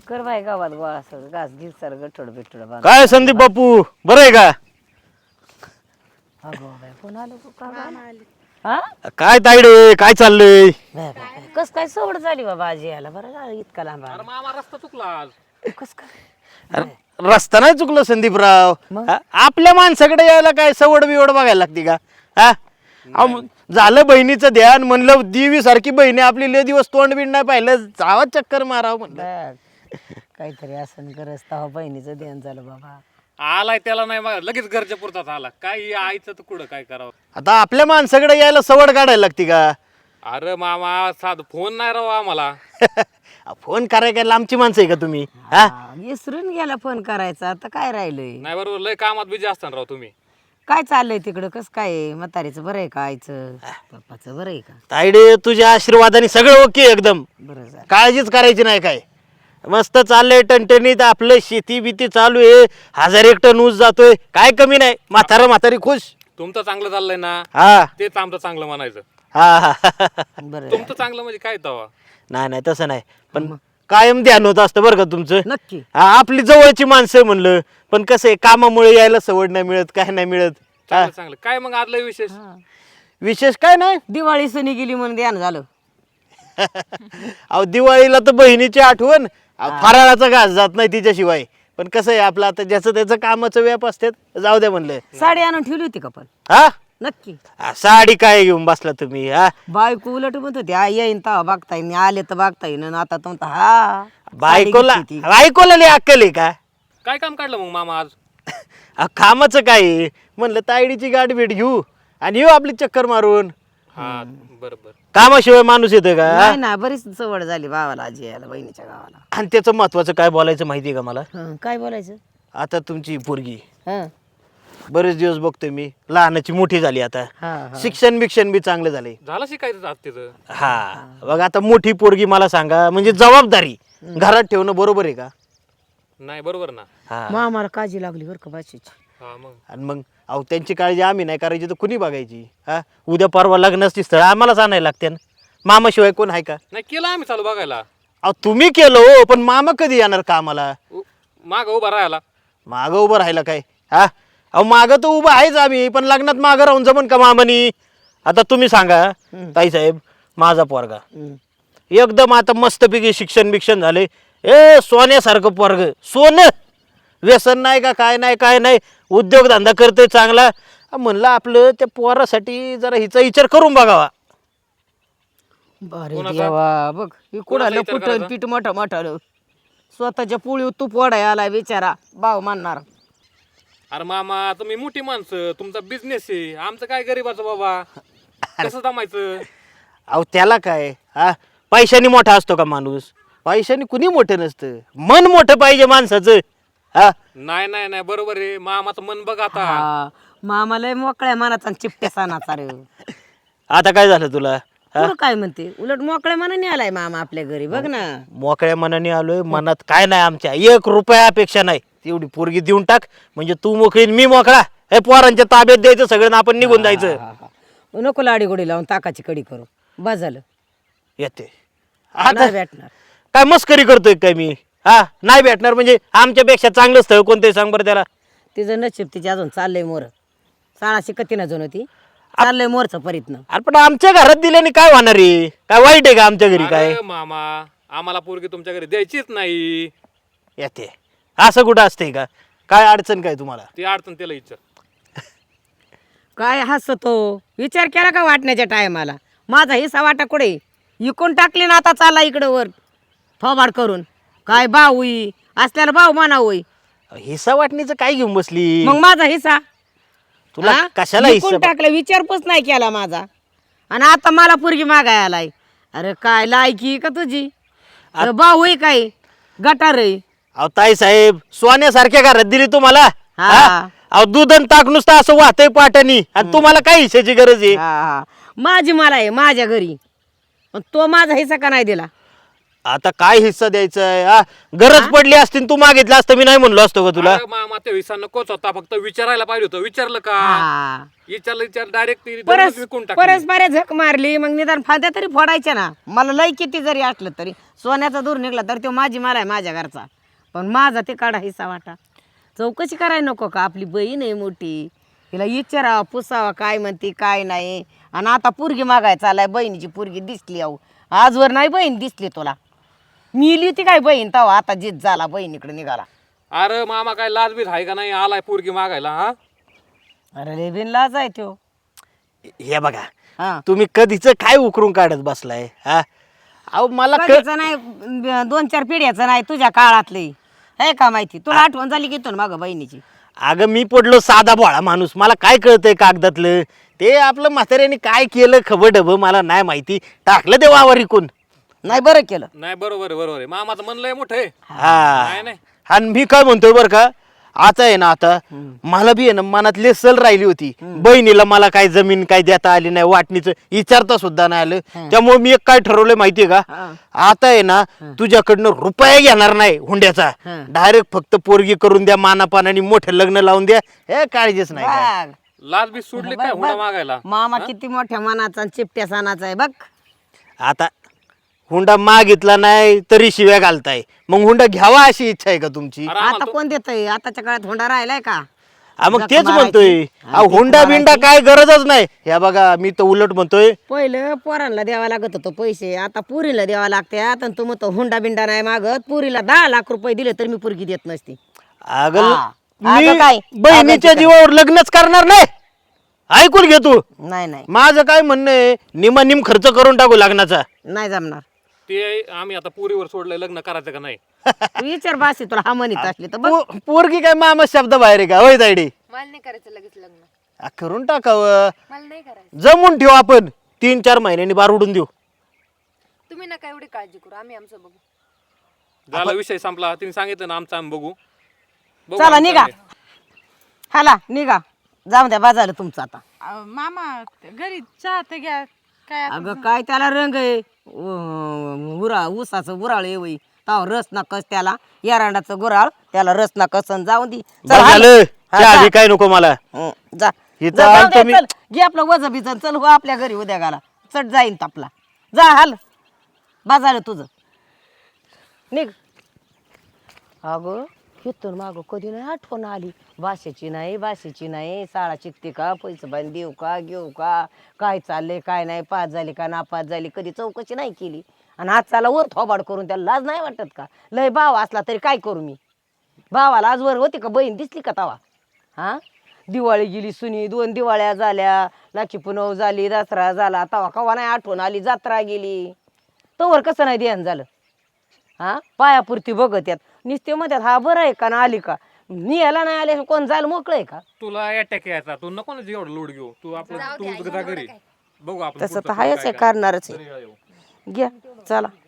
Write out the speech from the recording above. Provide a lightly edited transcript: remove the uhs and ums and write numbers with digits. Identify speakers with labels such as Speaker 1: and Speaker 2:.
Speaker 1: कर बाय गावात गोळा असं घास घीस सर गठोड बिठोड बांध.
Speaker 2: काय संदीप बापू बरं आहे का?
Speaker 1: अगो बाय कोण आलं गं? का गं? हा
Speaker 2: काय तायडे काय चाललंय?
Speaker 1: बाय बाय कस काय सवड झाली बाबा आजी यायला बरं झालं इतका लांब आला.
Speaker 3: मामा रस्ता चुकला आज.
Speaker 1: कस काय
Speaker 2: अरे, रस्ता नाही चुकलं संदीपराव.
Speaker 1: मग?
Speaker 2: हा? आपल्या माणसाकडे यायला काय सवड बिवड बघायला लागते का? हा अहो, झालं बहिणीचं ध्यान म्हणलं देवी सारखी बहिणी आपली लय दिवस तोंड बिंड नाही पाहिलं जावा चक्कर मारावं म्हणलं.
Speaker 1: बघ काहीतरी असं करस तेव्हा बहिणीचं ध्यान झालं बाबा.
Speaker 3: आलाय त्याला नाही बघा लगेच घरच्या पुरताच आला. काय आईचं तर कुठं काय करावं.
Speaker 2: आता आपल्या माणसाकडे यायला सवड काढायला लागते का?
Speaker 3: अरे मामा साध फोन नाही राव आम्हाला.
Speaker 2: फोन कराय काय लांबची माणसं आहे का तुम्ही? हा
Speaker 1: हा, विसरून गेला फोन करायचा आता काय राहिलंय.
Speaker 3: नाही बरोबर लय कामात बिझी असताना राव तुम्ही.
Speaker 1: काय चाललंय तिकडं कस काय आहे? म्हातारीचं बरं आहे का आईचं पप्पाचं बरं आहे का?
Speaker 2: तायडे तुझ्या आशीर्वादाने सगळं ओके एकदम.
Speaker 1: बरं झालं.
Speaker 2: काळजीच करायची नाही काय. मस्त चाललंय टणटणीत आपलं शेती बिती चालू आहे. 1000 एक टन ऊस जातोय काय कमी नाही. म्हातारी खुश.
Speaker 3: तुमचं चांगलं चाललंय ना
Speaker 2: हा
Speaker 3: तेच आमचं चांगलं म्हणायचं.
Speaker 2: हा हा
Speaker 1: बरं
Speaker 3: तुमचं चांगलं म्हणजे काय तवा.
Speaker 2: नाही नाही तसं नाही पण कायम ध्यान होत असतं बरं का तुमचं.
Speaker 1: नक्की.
Speaker 2: हा, आपली जवळची माणसं म्हणलं पण कसं आहे कामामुळे यायला सवड नाही मिळत काय नाही मिळत. हा,
Speaker 3: चांगलं चांगलं काय मग आदलं विशेष.
Speaker 2: विशेष काय नाही.
Speaker 1: दिवाळी सणी गेली म्हणून ध्यान झालं.
Speaker 2: अहो दिवाळीला तर बहिणीची आठवण. फराळाचा घास जात नाही तिच्याशिवाय. पण कसं आहे आपलं आता ज्याचं त्याचं कामाचं व्याप असतात जाऊ द्या म्हणलं.
Speaker 1: साडी आणून ठेवली होती का पण?
Speaker 2: हा
Speaker 1: नक्की.
Speaker 2: साडी काय घेऊन बसला तुम्ही? हा
Speaker 1: बायको उलट म्हणत होती आई येईन तेव्हा बघता येईन आले तर बघता येईन आणि आता तर म्हणता हा
Speaker 2: बायकोला
Speaker 1: साडी घेतली ती.
Speaker 2: बायकोला लई अक्कल आहे का?
Speaker 3: काय काम काढलं मग मामा आज.
Speaker 2: कामाचं काय आहे? म्हणलं तायडीची गाठ भेट घेऊ आणि येऊ आपली चक्कर मारून.
Speaker 3: हा बरोबर.
Speaker 2: कामाशिवाय माणूस येतं का?
Speaker 1: नाही ना बरीच सवड झाली भावाला आजी यायला बहिणीच्या गावाला.
Speaker 2: आणि त्याचं महत्वाचं काय बोलायचं माहिती आहे का मला?
Speaker 1: हं, काय बोलायचं?
Speaker 2: आता तुमची पोरगी
Speaker 1: हं,
Speaker 2: बरेच दिवस बघतोय मी लहानाची मोठी झाली आता.
Speaker 1: हा, हा.
Speaker 2: शिक्षण बिक्षण बी चांगलं झालंय.
Speaker 3: झालं शिकायचं आज तिथं.
Speaker 2: हा बघ आता मोठी पोरगी मला सांगा म्हणजे जबाबदारी घरात ठेवणं बरोबर आहे का?
Speaker 3: नाही बरोबर ना.
Speaker 2: हा
Speaker 1: मग आम्हाला काळजी लागली बरं का बाशीची.
Speaker 3: हा मग
Speaker 2: आणि मग अहो त्यांची काळजी आम्ही नाही करायची तर कुणी बघायची? हा उद्या परवा लग्नाची स्थळ आम्हालाच आणायला लागते ना. मामाशिवाय कोण आहे का?
Speaker 3: नाही केलं आम्ही चालू बघायला.
Speaker 2: अहो तुम्ही केलं हो पण मामा कधी येणार कामाला?
Speaker 3: माग उभा राहायला.
Speaker 2: मागं उभं राहिलं काय? हा अहो मागं तर उभं आहेच आम्ही पण लग्नात मागं राहून जमन का मामानी? आता तुम्ही सांगा ताईसाहेब माझा पोरगा
Speaker 1: हं.
Speaker 2: एकदम आता मस्तपैकी शिक्षण बिक्षण झाले. ए सोन्यासारखं पोरग सोनं. व्यसन नाही का काय नाही काय नाही. उद्योगधंदा करतोय चांगला. म्हणलं आपलं त्या पोरासाठी जरा हिचा विचार करून बघावा.
Speaker 1: अरे
Speaker 3: कोणाचा?
Speaker 1: देवा बघ
Speaker 3: कोणाचा
Speaker 1: कुणाला
Speaker 3: विचार
Speaker 1: कुठं
Speaker 3: करायचा?
Speaker 1: पीठ मोठं मोठं स्वतःच्या पोळी तूप वडाय आलाय बिचारा भाव मानणार.
Speaker 3: अरे मामा तुम्ही मोठी माणसं तुमचा बिझनेस आहे. आमचं काय गरीबाचं बाबा कसं जमायचं.
Speaker 2: अहो त्याला काय हा पैशाने मोठा असतो का माणूस? पैशाने कुणी मोठं नसतं. मन मोठं पाहिजे माणसाचं. हा
Speaker 3: नाही नाही नाही बरोबर आहे. मामाचं मन बघ आता.
Speaker 1: हा मामाला मोकळ्या मनाचा आणि चिपट्या सणाचा रे.
Speaker 2: आता काय झालं तुला?
Speaker 1: तुला काय म्हणते उलट मोकळ्या मनाने आलाय मामा आपल्या घरी बघ ना.
Speaker 2: मोकळ्या मनाने आलोय. मनात काय नाही आमच्या 1 रुपया अपेक्षा नाही. तेवढी पोरगी देऊन टाक म्हणजे तू मोकळी मी मोकळा. हे पोरांच्या ताब्यात द्यायचं सगळं आपण निघून जायचं.
Speaker 1: हा, हा. नको लाडी गोडी लावून ताकाची कडी करू बस झालं.
Speaker 2: येते
Speaker 1: नाही
Speaker 2: आता
Speaker 1: भेटणार.
Speaker 2: काय मस्करी करतोय काय मी? हा नाही भेटणार म्हणजे आमच्यापेक्षा चांगलं स्थळ कोणतंही सांग बरं त्याला.
Speaker 1: तिचं नशीब तिची अजून चाललंय मोर. साळाशी कतीनं जण होती चाललंय मोरचं परीतनं.
Speaker 2: अरे पण आमच्या घरात दिल्याने काय होणार आहे? काय वाईट आहे का आमच्या घरी काय?
Speaker 3: अरे मामा आम्हाला पोरगी तुमच्या घरी द्यायचीच नाही.
Speaker 2: येते असं कुठं असतंय का? काय अडचण काय तुम्हाला?
Speaker 3: ती अडचण त्याला विचार.
Speaker 1: काय हसतो विचार केला का वाटण्याच्या टायमाला? माझा हिस्सा वाटा कुठे इकून टाकली ना आता चालला इकडं वर थोबाड करून. काय भाऊ होई असल्याला भाऊ म्हणा होई.
Speaker 2: हिस्सा वाटणीचं काय घेऊन बसली?
Speaker 1: मग माझा हिस्सा
Speaker 2: तुला
Speaker 1: हा?
Speaker 2: कशाला
Speaker 1: इकून
Speaker 2: हिस्सा?
Speaker 1: टाकलं विचारपूस नाही केला माझा आणि आता मला पोरगी मागाय आलाय. अरे काय लायकी का तुझी? अरे भाऊ होई काय गटार आहे.
Speaker 2: अहो ताई साहेब सोन्यासारख्या घरात दिली तुम्हाला.
Speaker 1: हा.
Speaker 2: हा? अहो दूध आणि ताक नुसतं असं वाहतंय पाटानी आणि तुम्हाला काय हिस्साची गरज आहे?
Speaker 1: हा, हा. माझी मला आहे माझ्या घरी पण तो माझा हिस्सा का नाही दिला?
Speaker 2: आता काय हिस्सा द्यायचा आहे हा? गरज पडली असती तू मागितलं असतं मी नाही म्हणलो असतो का तुला?
Speaker 3: अरे मामा ते हिस्सा नकोच होता, फक्त विचारायला पाहिजे होतं. विचारलं का?
Speaker 1: हा.
Speaker 3: विचार डायरेक्ट
Speaker 1: परस
Speaker 3: विकून टाकली.
Speaker 1: परस बऱ्या झक मारली मग निदान फाद्या तरी फोडायच्या ना. मला लय किती जरी असलं तरी सोन्याचा दूर निघला तर तो माझी मला आहे माझ्या घरचा, पण माझा ते काढा हिस्सा वाटा. चौकशी करायला नको का? आपली बहीण आहे मोठी, तिला विचारावं पुसावा काय म्हणते काय नाही. आणि आता पोरगी मागाय चालाय, बहिणीची पोरगी दिसली अहो. आजवर नाही बहीण दिसली तुला. मिली होती काय बहीण तवा, आता जीत झाला बहिणीकडे निघाला.
Speaker 3: अरे मामा काय लाजबीज आहे का नाही? आलाय पोरगी मागायला हा?
Speaker 1: अरे लय बिन लाज आहे त्यो.
Speaker 2: हे बघा
Speaker 1: हा
Speaker 2: तुम्ही कधीच काय उकरून काढत बसलाय हा? अहो मला
Speaker 1: कधीचं नाही 2-4 पिढ्याचं नाही तुझ्या काळातली आहे का माहिती तुला? आठवण झाली की मागं बहिणीची.
Speaker 2: अगं मी पडलो साधा भोळा माणूस, मला काय कळतंय कागदातलं? ते आपलं म्हाताऱ्याने काय केलं खबर डब मला नाही माहिती, टाकलं ते वावर इकून.
Speaker 1: नाही बरं केलं.
Speaker 3: नाही बरोबर आहे, बरोबर आहे. मामाचं मन लय मोठं आहे.
Speaker 2: हा
Speaker 3: नाही नाही
Speaker 2: आणि मी काय म्हणतोय बरं का, आता आहे ना आता मला बी आहे ना मनातली सल राहिली होती. बहिणीला मला काय जमीन काय देता आली नाही, वाटणीचं विचारता सुद्धा नाही आलं. त्यामुळे मी एक काय ठरवलंय माहितीये का, आता आहे ना तुझ्याकडनं रुपया घेणार नाही हुंड्याचा, डायरेक्ट फक्त पोरगी करून द्या, मानापानाने मोठं लग्न लावून द्या, हे काळजीच नाही काय.
Speaker 1: बघ,
Speaker 3: लाजबीज सोडली काय हुंडा मागायला?
Speaker 1: मामा किती मोठ्या मनाचा आणि चिपट्या सणाचा आहे बघ.
Speaker 2: आता हुंडा मागितला नाही तरी शिव्या घालताय, मग हुंडा घ्यावा अशी इच्छा आहे का तुमची?
Speaker 3: अरे
Speaker 1: आता
Speaker 3: आम्हाला
Speaker 1: कोण देतय? आताच्या काळात होंडा राहिलाय का?
Speaker 2: मग
Speaker 1: जख
Speaker 2: तेच
Speaker 1: मारायची.
Speaker 2: म्हणतोय,
Speaker 1: आणि
Speaker 2: हुंडा
Speaker 1: जख
Speaker 2: बिंडा काय गरजच नाही. हे बघा मी तर उलट म्हणतोय,
Speaker 1: पहिलं पोरांना द्यावा लागत होतं पैसे, आता पुरीला द्यावा लागतात. आणि तू म्हणतो हुंडा बिंडा नाही मागत, पुरीला 10 लाख रुपये दिले तर मी पुरगी देत नसती.
Speaker 2: अगं
Speaker 1: हा.
Speaker 2: मी
Speaker 1: अगं काय?
Speaker 2: बहिणीच्या
Speaker 1: अगं
Speaker 2: जीवावर लग्नच करणार नाही. ऐकून घे तू,
Speaker 1: नाही नाही
Speaker 2: माझं काय म्हणणं आहे, निम खर्च करून टाकू लग्नाचा.
Speaker 1: नाही जमणार.
Speaker 3: ते आम्ही आता पुरीवर सोडलंय, लग्न करायचं का नाही?
Speaker 1: तू विचार बासी तुला हा म्हणत असली तर बघ.
Speaker 2: पोरगी काय मामा शब्द बाहेर आहे का होय तायडी?
Speaker 4: मला नाही करायचं लगेच लग्न,
Speaker 2: करून टाकावं,
Speaker 4: मला नाही करायचं.
Speaker 2: जमून ठेवू आपण, 3-4 महिन्यांनी बार उडून देऊ.
Speaker 4: तुम्ही नका एवढी काळजी करू, आम्ही आमचं बघू.
Speaker 3: झाला विषय संपला. तिने सांगितलं ना आमचं आम्ही बघू. बघू
Speaker 1: चला
Speaker 3: आमचं
Speaker 1: निघा,
Speaker 3: आम्ही.
Speaker 1: हाला निघा, जाऊ द्या बाजारला तुमचं आता.
Speaker 5: मामा घरी चहा तर घ्या. काय
Speaker 1: अगं काय त्याला रंग आहे, ऊसाचं गुराळ आहे वय, ताव रस ना कस त्याला, एरांडाचं गुराळ त्याला रस ना कसन जाऊन दी.
Speaker 2: बस झालं, चहा बी काय नको मला.
Speaker 1: जा
Speaker 2: इथं
Speaker 1: जा, जाऊ
Speaker 2: आलतो
Speaker 1: दे,
Speaker 2: मी.
Speaker 1: चल, घे आपलं वज बिजन, चल हो आपल्या घरी उद्या गाला, चट जाईन तापला. जा हाल बाजार तुझं निघ. अगं इथून मागं कधी नाही आठवण आली, भाषेची नाही, शाळा शिकते का, पैसे बांध देऊ का, घेऊ का, काय चाललंय काय नाही, पास झाली का नापास झाली, कधी चौकशी नाही केली. आणि आज चाला वर थोबाड करून त्याला लाज नाही वाटत का? लय भाव असला तरी काय करू मी? भावाला आजवर होती का बहीण दिसली का तवा? हा दिवाळी गेली सुनी, 2 दिवाळ्या झाल्या, लाखी पुनव झाली, दसरा झाला, तवा कवा नाही आठवण आली, जत्रा गेली, तोवर कसं नाही ध्यान झालं? हा पायापुरती बघत यात निस्ते म्हणतात हा बरं आहे का ना आली का, नियाला नाही आले कोण जायला मोकळं आहे का?
Speaker 3: तुला अटॅक यायचा, तू नको ना एवढं लोड घेऊ. तू आपलं तू जा घरी, बघू आपण
Speaker 1: तसं
Speaker 3: पुढचं
Speaker 1: तर हायच
Speaker 3: काय
Speaker 1: आहे, करणारच
Speaker 3: घरी
Speaker 1: आहे.
Speaker 3: येऊ.
Speaker 1: घ्या चला.